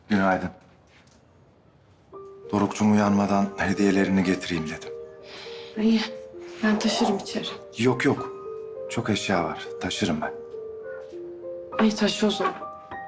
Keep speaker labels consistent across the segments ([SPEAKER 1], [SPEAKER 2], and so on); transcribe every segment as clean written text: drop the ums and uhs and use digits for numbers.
[SPEAKER 1] Günaydın. Doruk'cum uyanmadan hediyelerini getireyim dedim.
[SPEAKER 2] İyi. Ben taşırım içeri.
[SPEAKER 1] Yok yok. Çok eşya var. Taşırım ben.
[SPEAKER 2] Ay taşı o zaman.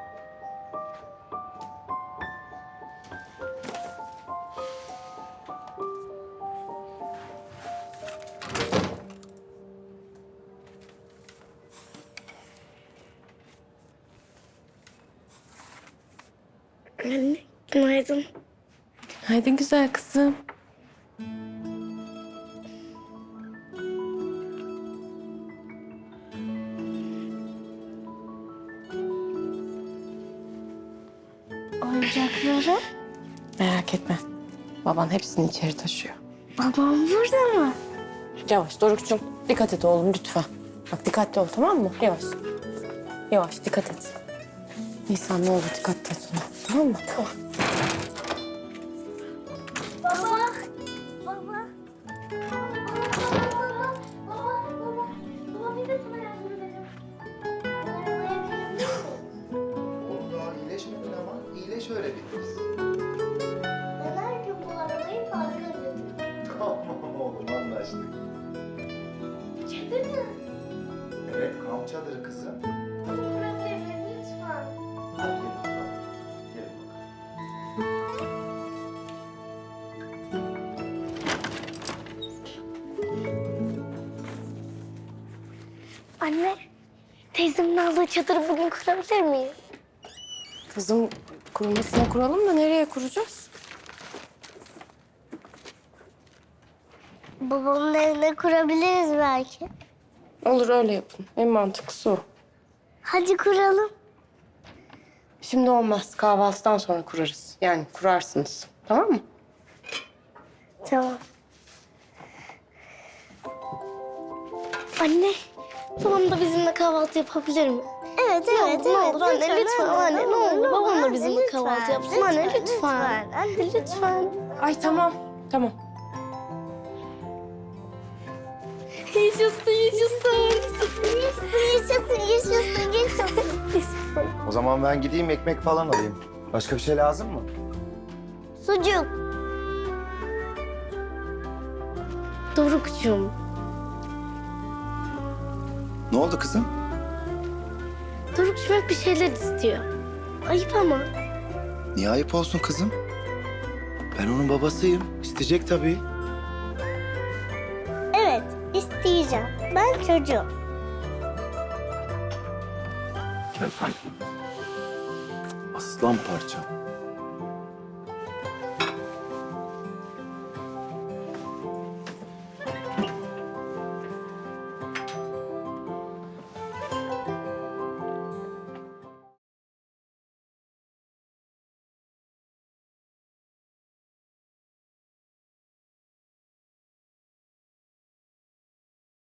[SPEAKER 3] Anne, günaydın.
[SPEAKER 2] Haydi güzel kızım.
[SPEAKER 3] Oyuncakları?
[SPEAKER 2] Merak etme. Baban hepsini içeri taşıyor.
[SPEAKER 3] Babam burada mı?
[SPEAKER 2] Yavaş Doruk'cum. Dikkat et oğlum lütfen. Bak dikkatli ol tamam mı? Yavaş. Yavaş dikkat et. Nisan ne olur dikkatli et ona. Tamam mı? Tamam.
[SPEAKER 3] Baba. Baba. Baba bir de sana yardım edelim.
[SPEAKER 1] Oğlum daha iyileşmedin ama iyileş öyle bitiririz.
[SPEAKER 3] Ben her gün bu arabayı parka götürüyorum.
[SPEAKER 1] Tamam oğlum anlaştık.
[SPEAKER 3] Çadır mı?
[SPEAKER 1] Evet kamp çadırı kızım.
[SPEAKER 3] Bunu bırakabilir miyim lütfen?
[SPEAKER 1] Hadi gelin bakalım. Gelin bakalım.
[SPEAKER 3] Anne, teyzemin aldığı çadırı bugün kurabilir miyim?
[SPEAKER 2] Kızım kurmasına kuralım da nereye kuracağız?
[SPEAKER 3] Babamın evine kurabiliriz belki.
[SPEAKER 2] Olur öyle yapın. En mantıklısı o.
[SPEAKER 3] Hadi kuralım.
[SPEAKER 2] Şimdi olmaz. Kahvaltıdan sonra kurarız. Yani kurarsınız. Tamam mı?
[SPEAKER 3] Tamam. Anne, babam da bizimle kahvaltı yapabilir mi? Evet, evet, ne olur anne lütfen anne ne olur babam da bizimle kahvaltı yapsın anne lütfen. Anne lütfen.
[SPEAKER 2] Ay tamam. Tamam.
[SPEAKER 3] Yaşasın, yaşasın. Yaşasın, yaşasın, yaşasın.
[SPEAKER 1] O zaman ben gideyim ekmek falan alayım. Başka bir şey lazım mı?
[SPEAKER 3] Sucuk. Doruk'cum,
[SPEAKER 1] Ne oldu kızım?
[SPEAKER 3] Doruk'cum hep bir şeyler istiyor. Ayıp ama.
[SPEAKER 1] Niye ayıp olsun kızım? Ben onun babasıyım. İsteyecek tabii.
[SPEAKER 3] Evet, isteyeceğim. Ben çocuğum.
[SPEAKER 1] Gel. Aslan parçam.